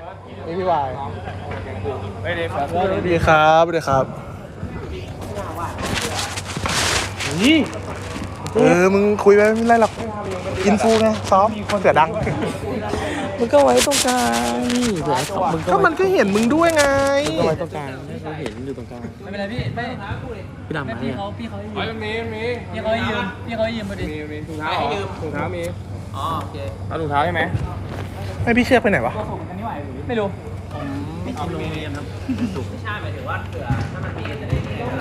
นี่พี่วายสวัสดีครับสวัสดีครับนี่มึงคุยไปไม่ไรหรอกอินฟูไงซ้อมคนเสือดังมึงก็ไว้ตรงกลางนี่เดี๋ยวมึงก็มันก็เห็นมึงด้วยไงก็ไว้ตรงกลางให้เขาเห็นอยู่ตรงกลางไม่เป็นไรพี่ไม่พี่ดำมาเนี่ยพี่เขาให้ยืมมีพี่เขาให้ยืมพอดีมีถุงเท้าถุงเท้ามีอ๋อโอเคเอาถุงเท้าใช่ไหมไม่พี่เชือกไปไหนวะไม่รู้ไม่กินโรงเรียนครับไม่ใช่หมายถึงว่าเผื่อถ้ามันมีจะได้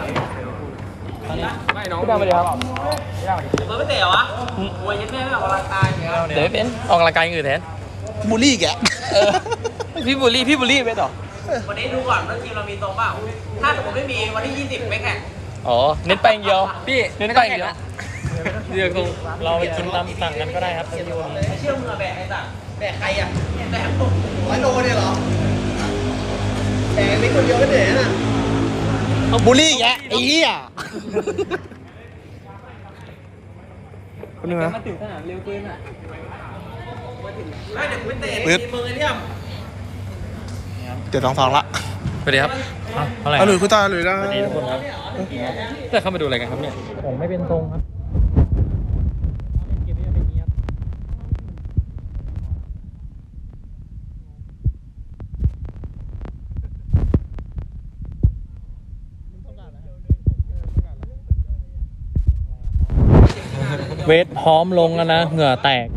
ไม่น้องพี่ดำมาดีครับไม่เตะวะมวยยันแม่ไม่ออกกำลังกายเดี๋ยวเป็นออกกำลังกายอื่นแทนบูลลี่แกพี่บูลลี่ไม่ต่อวันนี้ดูก่อนว่าทีมเรามีตรงเปล่าถ้าสมมติไม่มีวันที่20ไม่แข่งอ๋อเน้นไปอย่างเดียวพี่เน้นไปอย่างเดียวเดี๋ยวเราไปกินตามสั่งกันก็ได้ครับเชื่อมือแบกไอ้สั่งแบกใครอ่ะแบกผม100 โลเนี่ยเหรอแบกไม่คนเดียวไม่เหนื่อยนะบูลลี่แกไอ้เหี้ยคนนึงนะมาถึงสนามเร็วเกินอ่ะมาถึงเดี๋ยวไม่เตะมือเนี่ย 7-2ละสวัสดีครับเท่าไหร่หลุยคุณตาหลุยนะสวัสดีทุกคนครับจะเข้ามาดูอะไรกันครับเนี่ยผมไม่เป็นทรงครับเวทพร้อมลงแล้วนะเหงื่อแตก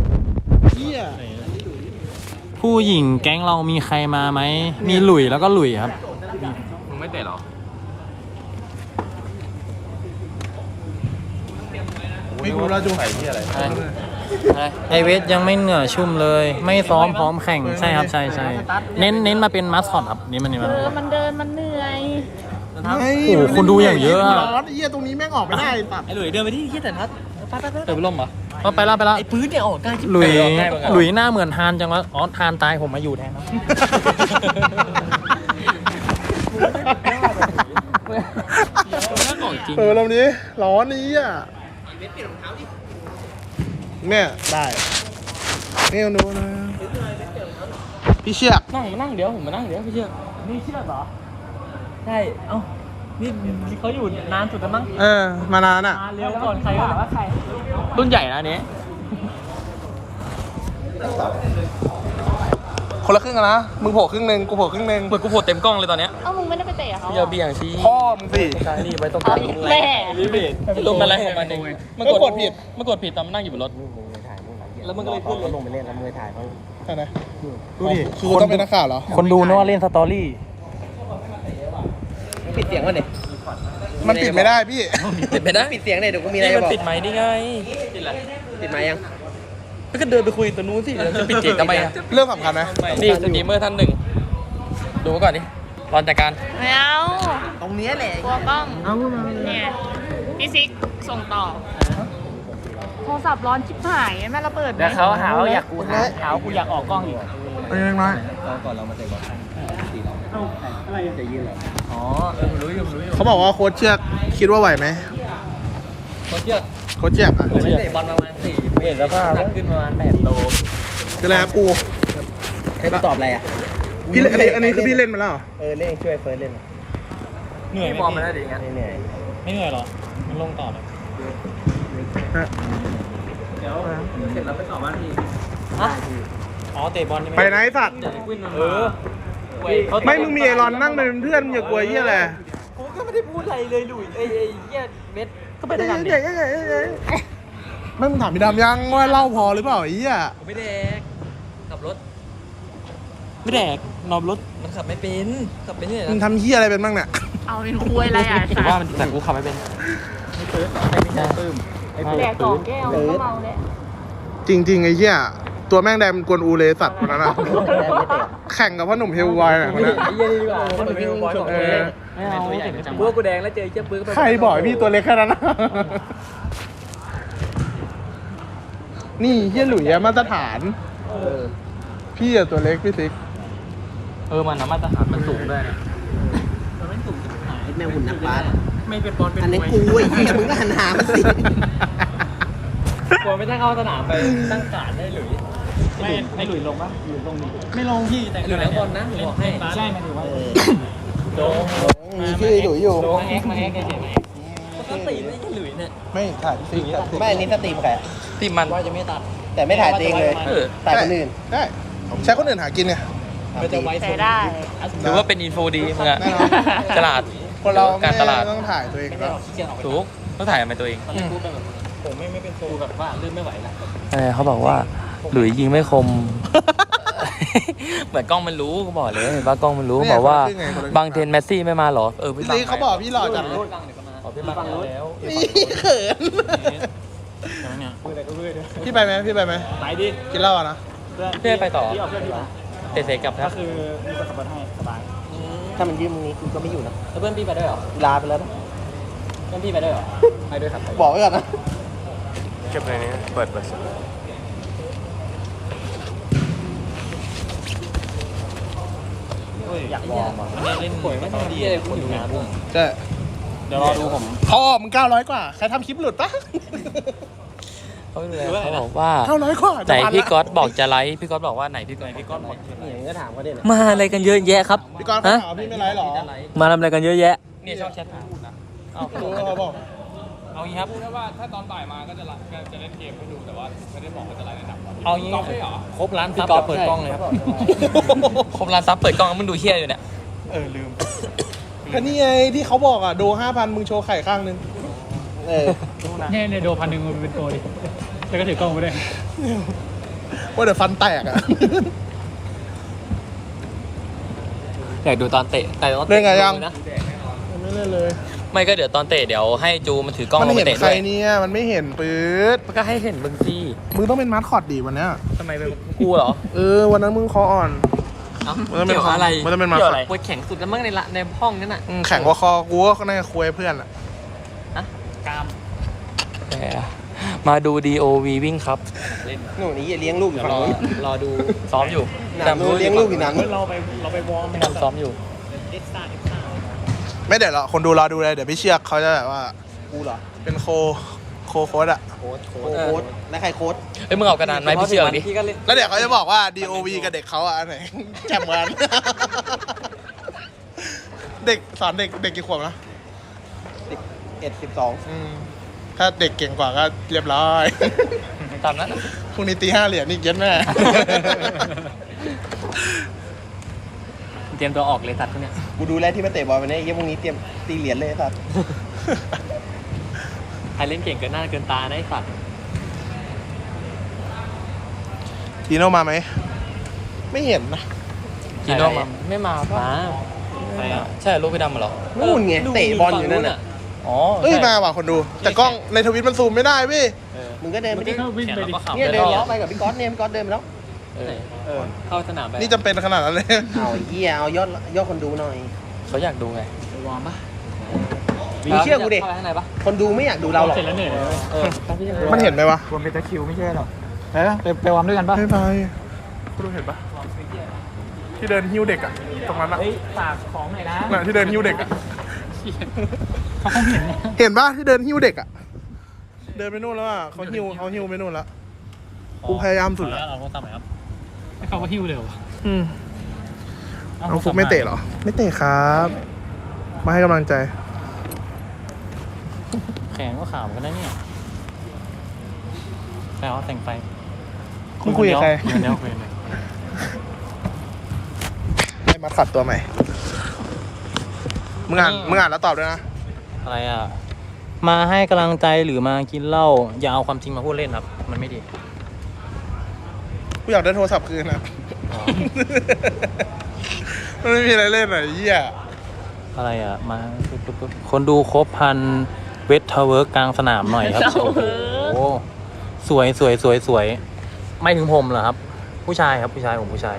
ผู้หญิงแก๊งเรามีใครมาไหมมีหลุยแล้วก็หลุยครับมึงไม่เตะหรอไม่รู้แล้วจูไข่ที่อะไรไอเวทยังไม่เหงื่อชุ่มเลยไม่ซ้อมพร้อมแข่งใช่ครับใช่เน้นมาเป็นมัสคอตครับนี่มันมันเดินมันเหนื่อยโอ้โหคนดูอย่างเยอะร้อนเหี้ยตรงนี้แม่งออกไม่ได้ปัดไอหลุยเดินไปที่ขี้แต่ทัดเดินไปล่มเหรอไปละไอปื้ดเนี่ยออกใกล้หลุยหน้าเหมือนฮานจังวะอ๋อฮานตายผมมาอยู่แทนลำนี้ร้อนนี้อ่ะเนี่ยได้นี่ดูนะพี่เชือกนั่งเดี๋ยวผมมานั่งเดี๋ยวพี่เชือกนี่เชือกเหรอใช่เอ้านี่เขาอยู่นานสุดแล้วมั้งมานานอ่ะเร็วก่อนใครว่าใครรุ่นใหญ่นะนี้คนละครึ่งกันนะมึงโผล่ครึ่งนึงกูโผล่ครึ่งนึงเหมือนกูโผล่เต็มกล้องเลยตอนเนี้ยมึงไม่ได้ไปเตะเขาอย่าเบี่ยงชี้พ่อมึงสิใช่นี่ไว้ตรงกลางแม่ลงมาอะไรของมันเองมันกดผิดตอนมันนั่งอยู่บนรถแล้วมันก็เลยขึ้นลงไปเล่นแล้วมือถ่ายเขาใช่ไหมดูดิคือต้องเป็นนักข่าวเหรอคนดูนึกว่าเล่นสตอรี่ปิดเสียงวะเนี่ยมันปิดไม่ได้พี่ปิดไม่ได้ปิดเสียงเลยเดี๋ยวกูมีอะไรบอกปิดไหมนี่ไงปิดไหมยังก็เดินไปคุยตัวนู้นสิจะปิดเสียงทำไมอะเรื่องสำคัญไหมนี่สตรีมเมอร์ท่านหนึ่งดูก่อนดิรอนจัดการไม่เอาตรงนี้แหละกลัวกล้องเนี่ยพี่ซิกส่งต่อโทรศัพท์ร้อนชิบหายแม่ระเบิดแล้วเขาหาว่าอยากกูอยากออกกล้องอยู่เองไหมก่อนเรามาเตะบอลอะไรจะยืนเหรออ๋อรู้อยู่เขาบอกว่าโค้ชเชือกคิดว่าไหวไหมโค้ชเชือกอ่ะผมเตะบอลประมาณ4เห็นแล้วก็หนักขึ้นประมาณ8 โลคืออะไรครับปูใครตอบอะไรอ่ะพี่อันนี้คือพี่เล่นมาแล้วเล่นช่วยเฟิร์สเล่นเหนื่อยบอลมาได้ดีงั้นไม่เหนื่อยหรอมันลงต่อเลยเดี๋ยวเสร็จแล้วไปต่อบ้านพี่อ๋อเตะบอลไปไหนสัตว์ไม่มึงมีไอรอนนั่งเป็นเพื่อนอย่ากลัวเยี่ยแหละกูก็ไม่ได้พูดอะไรเลยหลุยเยี่ยเม็ดก็ไปด้วยกันดิไม่มึงถามพี่ดำยังว่าเล่าพอหรือเปล่าไอ้เหี้ยไม่แดกขับรถไม่แดกนอนรถมันขับไม่เป็นขับเป็นเนี่ยมึงทำเหี้ยอะไรเป็นบ้างเนี่ยเอาเป็นคุยอะไรอ่ะว่ามันแต่กูขับไม่เป็นไม่เปิดไม่ใช่ปื้มแดก2 แก้วก็เมาเลยจริงไอ้เหี้ยตัวแม่งแดงกวนอูเลสัตว์คนนั้นอะแข่งกับพ่อหนุ่มเฮลวายน่ะคนนั้นเยี่ยดีกว่าพ่อหนุ่มเฮลวายไม่เอาเบื้อกูแดงแล้วเจอเจ้าเบื้อใครบอกพี่ตัวเล็กแค่นั้นนี่เหี้ยหลุยมาตรฐานพี่อะตัวเล็กพี่ซิกมันนะมาตรฐานมันสูงด้วยมันไม่สูงแม่หุ่นนักบาสไม่เป็นบอลเป็นอันนี้กูไอ้เหี้ยมึงก็หันหามันสิกลัวไม่ได้เข้าสนามไปตั้งการได้หรือไม่หลุยลงปะหลุยลงไม่ลงพี่แต่หลุยแล้วบอลนะผมบอกให้ใช่มันถือว่าโดงมีชื่อหลุยอยู่มาเอ็กมาเอ็กเฉยๆก็ตีไม่ใช่หลุยเนี่ยไม่ถ่ายสิไม่อันนี้สตรีมใครตีมันว่าจะไม่ตัด แต่ไม่ถ่ายตัวเองเลยถ่ายคนอื่นได้ใช้คนอื่นหากินไงใช้ได้หรือว่าเป็นอินโฟดีมึงอะแน่นอนฉลาดคนเราการตลาดไม่ต้องถ่ายตัวเองก็ถูกต้องถ่ายมาตัวเองผมไม่เป็นโฟแบบว่าลื่นไม่ไหวละเขาบอกว่าหลุยยิงไม่คม เหมือนกล้องมันรู้ก็บอกเลยเห็นว่ากล้องมันรู้บอกว่าบางเทนแมสซี่ไม่มาหรอพี่นี่เขาบอกพี่หล่อจัดเลยพี่บังแล้วนี่เขินพี่ไปไหมพี่ไปไหมไปดิกินเหล้าอ่ะนะพี่ไปต่อพี่เอาเพื่อนพี่มาเตะกลับคก็รับคือมีคนขับรถให้สบายถ้ามันยืมมึงนี้กูก็ไม่อยู่นะแล้วเพื่อนพี่ไปด้วยเหรอลาไปแล้วนะเพื่อนพี่ไปด้วยเหรอไปด้วยครับบอกไว้ก่อนนะเก็บเลยนี้เปิดอยากวอร์มอ่ะเล่นป่วยไม่ดีเลยคุณอยู่งานบุ้งใช่เดี๋ยวรอดูผมพ่อมึง900 กว่า ใครทำคลิปหลุดปะเขาเลยเขาบอกว่า 900 กว่าไหนพี่ก๊อตบอกจะไลฟ์พี่ก๊อตบอกว่าไหนพี่ก๊อตบอกนี่ก็ถามว่าเนี่ยมาอะไรกันเยอะแยะครับพี่กรณ์เขาถามพี่ไม่ไลฟ์หรอมาทำอะไรกันเยอะแยะเนี่ยชอบแชทนะเอารู้เขาบอกเอางี้ครับว่าถ้าตอนบ่ายมาก็จะเล่นเกมให้ดูแต่ว่าไม่ได้บอกว่าจะไลฟ์ในหนังเอางี้กล้องไม่เหรอครบร้านซับจะเปิดกล้องเลยครับครบร้านซับเปิดกล้องมึงดูเฮี้ยอยู่เนี่ยก็นี่ไงที่เขาบอกอ่ะ โด 5,000 มึงโชว์ไข่ข้างนึงเนี่ยโดพันหนึ่งมันเป็นโกดิแล้วก็ถือกล้องไปด้วยว่าเดี๋ยวฟันแตกอ่ะอยากดูตอนเตะแต่ตอนเล่นไงยังนะไม่เล่นเลยไม่ก็เดี๋ยวตอนเตะเดี๋ยวให้จูมันถือกล้องมันลงเห็ไปนเตะใครด้วยเนี่ย มันไม่เห็นปื๊ดมันก็ให้เห็นมึงสิมึงต้องเป็นมาสคอตดีวันเนี้ยทำไมเป็นกูเหรอวันนั้นมึงคออ่อนเอ้ามันเป็นเกี่ยวกับอะไรมันเป็นมาเกี่ยวอะไรปวดแข็งสุดแล้วมั้งในห้องนั้นน่ะแข่งกว่าคอกูก็น่าจะคุยเพื่อนอ่ะกามมาดู DOV วิ่งครับหนูนี่เลี้ยงลูกอยู่ฝั่งนู้นรอดูซ้อมอยู่หนังนู้นเลี้ยงลูกอยู่หนังนู้นเราไปวอร์มไม่ทำซ้อมอยู่ไม่เดี๋ยวหรอกคนดูรอดูเลย เดี๋ยวพี่เชือกเขาจะแบบว่ากูเหรอเป็นโค้ดอ่ะโค้ดแล้วใครโค้ดเอ้ยมึงเอากระดานไหมพี่เชือกดิแล้วเดี๋ยวเขาจะบอกว่า DOV กับเด็กเขาอ่ะอันไหน แจ่มกัน เด็กสอนเด็กกี่ขวบนะ 12 ถ้าเด็กเก่งกว่าก็เรียบร้อยตามนั้นน่ะพรุ่งนี้ตี 5 เหรียญนี่เย็นแม่เตรียมตัวออกเลยสัตว์พวกเนี้ยกูดูแลที่มาเตะบอลวันนี้ยี่พวกนี้เตรียมตีเหรียญเลยครับใครเล่นเก่งเกินหน้าเกินตาได้สัตว์ทีโน่มาไหม ไม่เห็นนะจีโน่มาไม่มาป่ะใช่ลูกพี่ดำเหรอนู่นไงเตะบอลอยู่นั่นน่ะอ๋อเอ้ยใช่มาว่ะคนดู แต่กล้องในทวิตมันซูมไม่ได้เว้ยมึงก็เดินไปดิเข้าวิ่งแขนไปเราดิก็ขับเนี่ยเดินไปล้อไปกับพี่ก๊อตเนี่ยพี่ก๊อตเดินไปแล้วเข้าสนามไปนี่จำเป็นขนาดนั้นเลยเอาไอ้เหี้ยเอายอดคนดูหน่อยเขาอยากดูไงวอร์มปะมึงเชื่อกูดิเข้าไปข้างในปะคนดูไม่อยากดูเราหรอกเสร็จแล้วเหนื่อยเลยมันเห็นไหมวะวอร์มเป็นตะคิวไม่ใช่หรอไปวอร์มด้วยกันปะไม่ไปคุณดูเห็นปะที่เดินหิ้วเด็กอะตรงนั้นอะเฮ้ยฝากของหน่อยนะน่ะที่เดินหิ้วเด็กอะเขาคงเห็นนะเห็นปะที่เดินหิ้วเด็กอะเดินไปนู่นแล้วอะเขาหิ้วไปนู่นแล้วกูพยายามสุดแล้วเอาโทรศัพท์หน่อยครับเขาก็หิ้วเร็วน้องฟุกไม่เตะเหรอ ไม่เตะครับ มาให้กำลังใจแขนก็ขาวกันได้เนี่ยแล้วแต่งไฟมึงคุยกับใครเดี๋ยวคุยกันเลยให้มาขัดตัวใหม่ มึงอ่านแล้วตอบด้วยนะอะไรอ่ะ มาให้กำลังใจหรือมากินเหล้าอย่าเอาความจริงมาพูดเล่นครับ มันไม่ดีกูอยากได้โทรศัพท์คืนนะ มันไม่มีอะไรเล่นอ่ะไอ้เหี้ยอะไรอ่ะ มาปุ๊บคนดูครบพันเวทเทเวิร์กกลางสนามหน่อยครับ โอ้โหสวยไม่ถึงผมเหรอครับ ผู้ชายครับผู้ชายผมผู้ชาย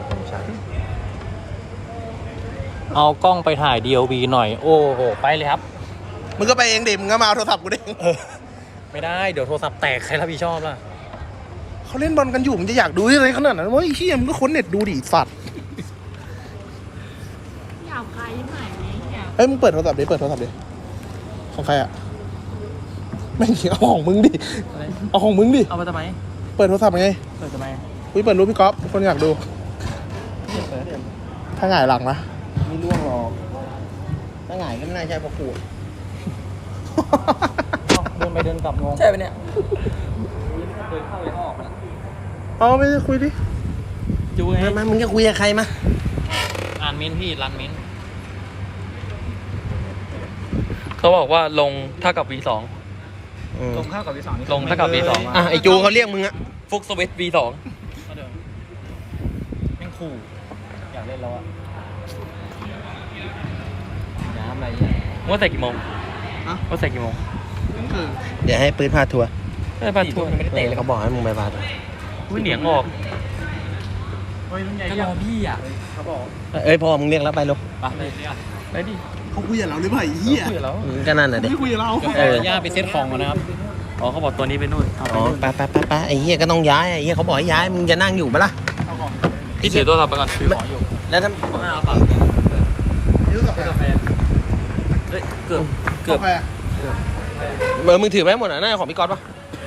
เอากล้องไปถ่าย DLB หน่อย โอ้โหไปเลยครับมึงก็ไปเองดิมึงก็มาเอาโทรศัพท์กูดิไม่ได้เดี๋ยวโทรศัพท์แตกใครรับผิดชอบล่ะเขาเล่นบอลกันอยู่มึงจะอยากดูอะไรขนาดนั้นวะไอ้เหี้ยมึงก็ค้นเน็ตดูดิสัตว์อยากไปไหนเนี่ยเฮ้ยมึงเปิดโทรศัพท์ดิของใครอะไม่เอาของมึงดิ เอาของมึงดิเอาไปทำไมเปิดโทรศัพท์ไงเปิดทำไมอุ้ยเปิดรูปพี่ก๊อฟคนอยากดู ถ้าหงายหลังนะไม่ร่วงหรอกถ้าหงายก็ไม่น่าใช่เพราะขูดเดินไปเดินกลับงงใช่ไหมเนี่ยเดินเข้าไปออกนะเอาไม่ได้คุยดิจูไงมามึงจะคุยกับใครมาอ่านมิ้นพี่รันมิ้นเขาบอกว่าลงเท่ากับ V2 ลงเข้ากับวีสองนี่ลงเท่ากับ V2 อ่ะไอจูเขาเรียกมึงอะฟุกสวิต V2 แม่งขู่อยากเล่นแล้วอะน้ำอะไรเนี่ยว่าใส่กี่โมงว่าใส่กี่โมงเดี๋ยวให้ปืนพาทัวร์ไม่ได้ปาทัวร์ไม่ได้เตะเลยเขาบอกให้มึงไปพาทัวร์อุ้ยเหนียงออกเฮ้ยรุ่นใหญ่ก็รอพี่อ่ะเขาบอกเอ้ยพอมึงเรียกแล้วไปลูกไปดิเขาคุยกับเราหรือเปล่าไอ้เหี้ยคุยกับเรามึงก็นั่นน่ะเด็กไม่คุยกับเราย่าไปเซ็ตของก่อนนะครับอ๋อเขาบอกตัวนี้ไปนู่นเอาไปอ๋อนู่นไปไอ้เหี้ยก็ต้องย้ายไอ้เหี้ยเขาบอกให้ย้ายมึงจะนั่งอยู่ปะล่ะพี่ถือตัวเราไปก่อนถือของอยู่แล้วถ้าไม่เอาฝากยืดกาแฟเฮ้ยเกือบกาแฟมึงถือไปหมดอ่ะน่าจะของพี่ก๊อตปะ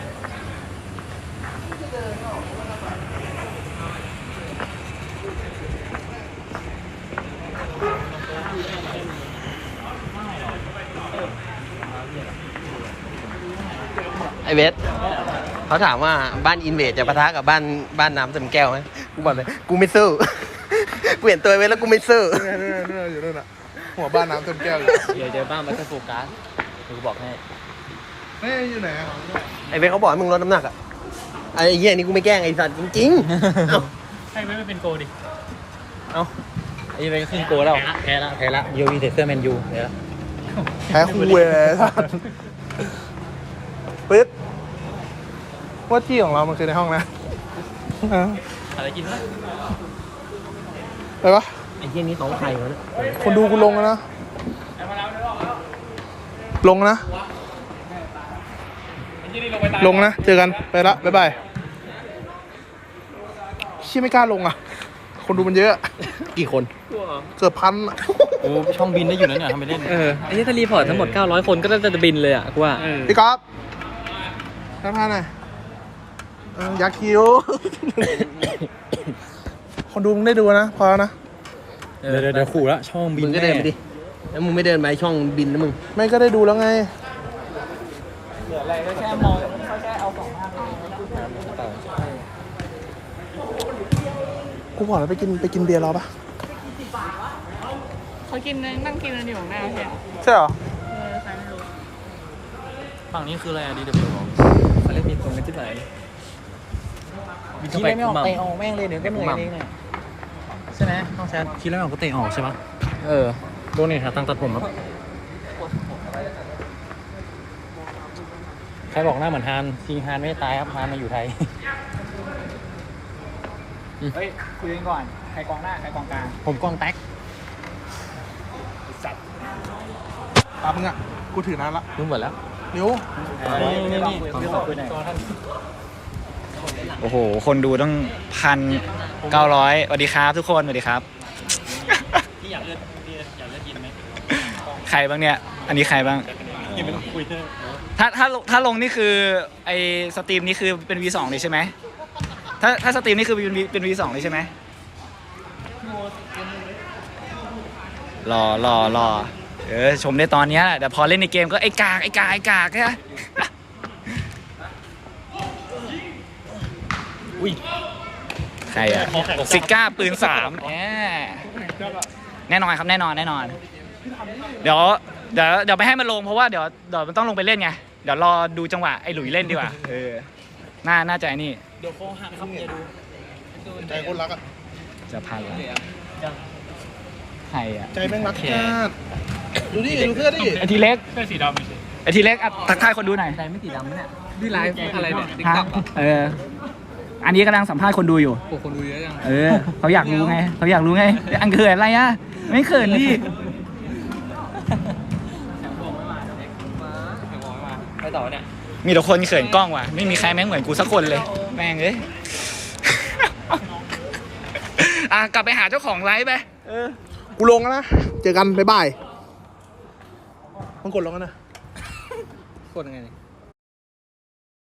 ไอเวสเขาถามว่าบ้านอินเวดจะปะทะกับบ้านน้ำเต็มแก้วไหมกูบอกเลยกูไม่สู้ กูเห็นตัวไอเวสแล้วกูไม่สู้เนี่ยอยู่นั่นน่ะหัวบ้านน้ำเต็มแก้วเลยเดี๋ยวเจอบ้านมันจะโฟกัสกูบอกให้เฮ้ยอยู่ไหนอะไอเวสเขาบอกให้มึงลดน้ำหนักอ่ะไอ้เหี้ยนี่กูไม่แกล้งไอ้สัตว์จริงๆเอ้าให้ไม่เป็นโกดิไอ้เวก็ขึ้นโกแล้วแพ้ละโยวีเทเซอร์แมนยูแพ้ละแพ้คู่เลยท่านปึ๊ดว่าที่ของเรามันคือในห้องนะอ่ะอะไรกินวะไปปะไอ้เหี้ยนี่ของใครวะเนี่ยคนดูกูลงแล้วนะ ลงนะ ลงนะ เจอกัน ไปละ บ๊ายบายเชี่ยไม่กล้าลงอ่ะ คนดูมันเยอะกี่คนเกือบพันอะโอ้ช่องบินได้อยู่นะเนี่ยทำไปเล่นไอ้ที่ถ้ารีพอร์ตทั้งหมด900คนก็น่าจะบินเลยอ่ะกูว่าพี่ก๊อฟทักทายหน่อยยักษ์คิ้ว คนดูมึงได้ดูนะ พอแล้วนะเดี๋ยวขู่ละช่องบิมึนงก็เดินไปดิ แล้วมึงไม่เดินไปช่องบินนะมึงไม่ก็ได้ดูแล้วไงแค่มองกูบอกแล้วไปกินเบียร์รอปะเขากินนั่งกินกันอยู่ข้างหน้าใช่ไหมใช่เหรอใครไม่รู้ฝั่งนี้คืออะไรอะดีเดบิวเขาเล่นมีตรงกันที่ไหนคิดไม่ออกเตะออกแม่งเลยเดี๋ยวก็เหนื่อยเองเนี่ยใช่ไหมต้องแชทคิดแล้วไม่ออกก็เตะออกใช่ปะโดนเนี่ยหาตังค์ตัดผมครับใครบอกหน้าเหมือนฮานจริงฮานไม่ได้ตายครับฮานมาอยู่ไทยเฮ้ยคุยกันก่อนใครกองหน้าใครกองกลางผมกองแท็กตามมึงอ่ะ กูถือนานละรู้หมดแล้วเร็วนี่โอ้โหคนดูต้อง1,900สวัสดีครับทุกคนสวัสดีครับพี่อยากเลือกยินไหมใครบ้างเนี่ยอันนี้ใครบ้างถ้าลงนี่คือไอสตรีมนี่คือเป็น V2 เลยใช่ไหมถ้าสตรีมนี่คือเป็น V2 เลยใช่ไหมรอชมได้ตอนนี้แหละแต่พอเล่นในเกมก็ไอ้กากใช่ไหมอุ้ยใครอะซิก้าปืน3แน่นอนครับแน่นอนเดี๋ยวไม่ให้มันลงเพราะว่าเดี๋ยวมันต้องลงไปเล่นไงเดี๋ยวรอดูจังหวะไอ้หลุยเล่นดีกว่าน่าจะไอ้นี่เดี๋ยวโค้งหักครับอย่าดูใจคนรักอ่ะจะพันแล้วใครอะใจแม่งรักชาติดูดิ ดูเสื้อดิไอทีเล็กเสื้อสีดำไม่ใช่ไอทีเล็กทักทายคนดูหน่อยใจไม่สีดำเนี่ยนี่ไลฟ์อะไรเนี่ยติ๊กฮะต็อกอ่ะอันนี้กำลังสัมภาษณ์คนดูอยู่โอ้คนดูเยอะจังเขาอยากรู้ไงอันเขินอะไรอะไม่เขินดิไปต่อเนี่ยมีแต่คนเขินกล้องว่ะไม่มีใครแม่งเหมือนกูสักคนเลยแม่งเอ้ย กลับไปหาเจ้าของไลฟ์ไปกูลงแล้วนะ เจอกัน บ๊ายบายมึงกดลงกันนะกดยังไง